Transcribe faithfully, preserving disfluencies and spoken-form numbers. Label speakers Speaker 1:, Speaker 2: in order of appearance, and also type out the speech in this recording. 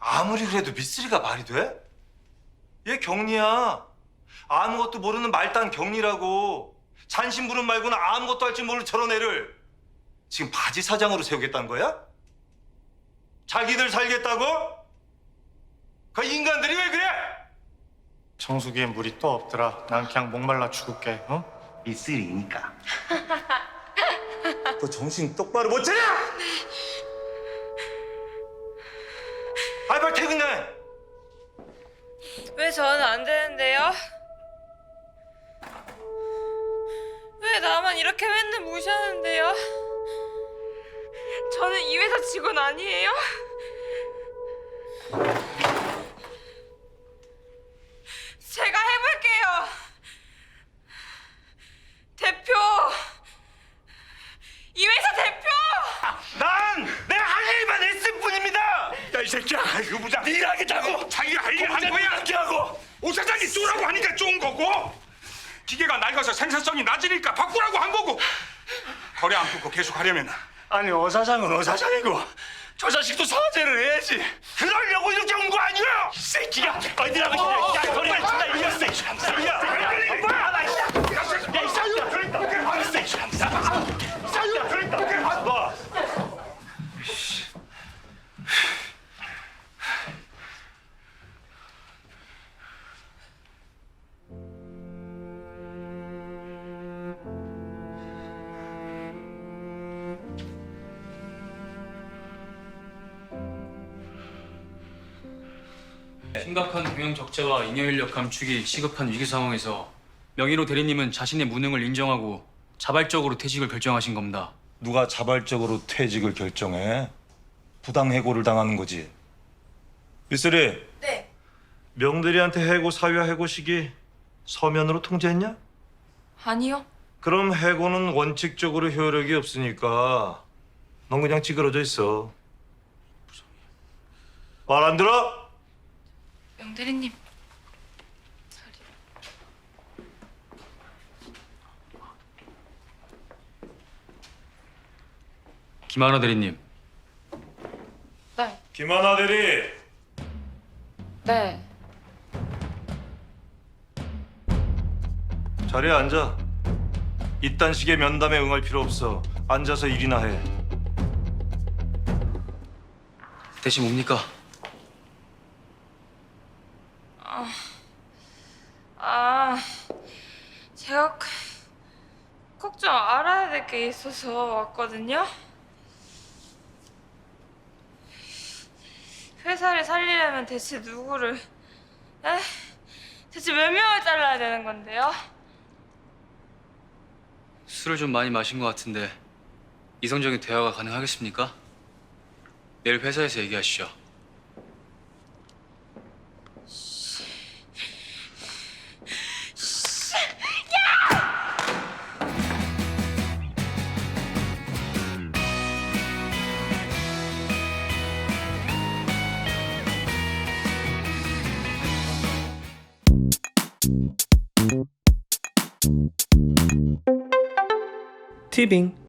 Speaker 1: 아무리 그래도 미쓰리가 말이 돼? 얘 경리야. 아무것도 모르는 말단 경리라고. 잔심부름 말고는 아무것도 할 줄 모르는 저런 애를 지금 바지 사장으로 세우겠다는 거야? 자기들 살겠다고? 그 인간들이 왜 그래?
Speaker 2: 정수기에 물이 또 없더라. 난 그냥 목말라 죽을게. 어?
Speaker 3: 미쓰리니까.
Speaker 1: 너 정신 똑바로 못 차려? 아이 빨리 퇴근해.
Speaker 4: 왜 저는 안 되는데요? 왜 나만 이렇게 맨날 무시하는데요? 저는 이 회사 직원 아니에요? 제가 해볼게요. 대표. 이 회사 대표.
Speaker 1: 난 내가 할 일만 했을 뿐입니다.
Speaker 3: 야, 이 새끼야. 이거 보자. 네 일하겠다고. 자기가 할 일 한 거야. 이렇게 하고. 오 사장이 쏘라고 하니까 쏜 거고. 기계가 낡아서 생산성이 낮으니까 바꾸라고 한 거고. 거래 안 끊고 계속 하려면
Speaker 2: 아니 어 사장은 어 사장이고 저 자식도 사죄를 해야지.
Speaker 3: 그러려고 이렇게 온 거 아니야? 이 새끼가 어디라고 그래. 야, 거래 진짜 이겼어. 야, 야, 야, 이 새끼야. 알았어. 이 새끼야. 너.
Speaker 5: 심각한 경영 적자와 인여 인력 감축이 시급한 위기 상황에서 명의로 대리님은 자신의 무능을 인정하고 자발적으로 퇴직을 결정하신 겁니다.
Speaker 1: 누가 자발적으로 퇴직을 결정해? 부당 해고를 당하는 거지. 미쓰리.
Speaker 4: 네.
Speaker 1: 명대리한테 해고 사유와 해고 시기 서면으로 통지했냐?
Speaker 4: 아니요.
Speaker 1: 그럼 해고는 원칙적으로 효력이 없으니까 넌 그냥 찌그러져 있어. 말 안 들어?
Speaker 4: 명대리님.
Speaker 5: 김하나 대리님.
Speaker 4: 네.
Speaker 1: 김하나 대리.
Speaker 4: 네.
Speaker 1: 자리에 앉아. 이딴 식의 면담에 응할 필요 없어. 앉아서 일이나 해.
Speaker 5: 대신 뭡니까?
Speaker 4: 아, 제가 꼭 좀 알아야 될 게 있어서 왔거든요. 회사를 살리려면 대체 누구를, 에? 대체 몇 명을 잘라야 되는 건데요?
Speaker 5: 술을 좀 많이 마신 것 같은데 이성적인 대화가 가능하겠습니까? 내일 회사에서 얘기하시죠.
Speaker 6: 티빙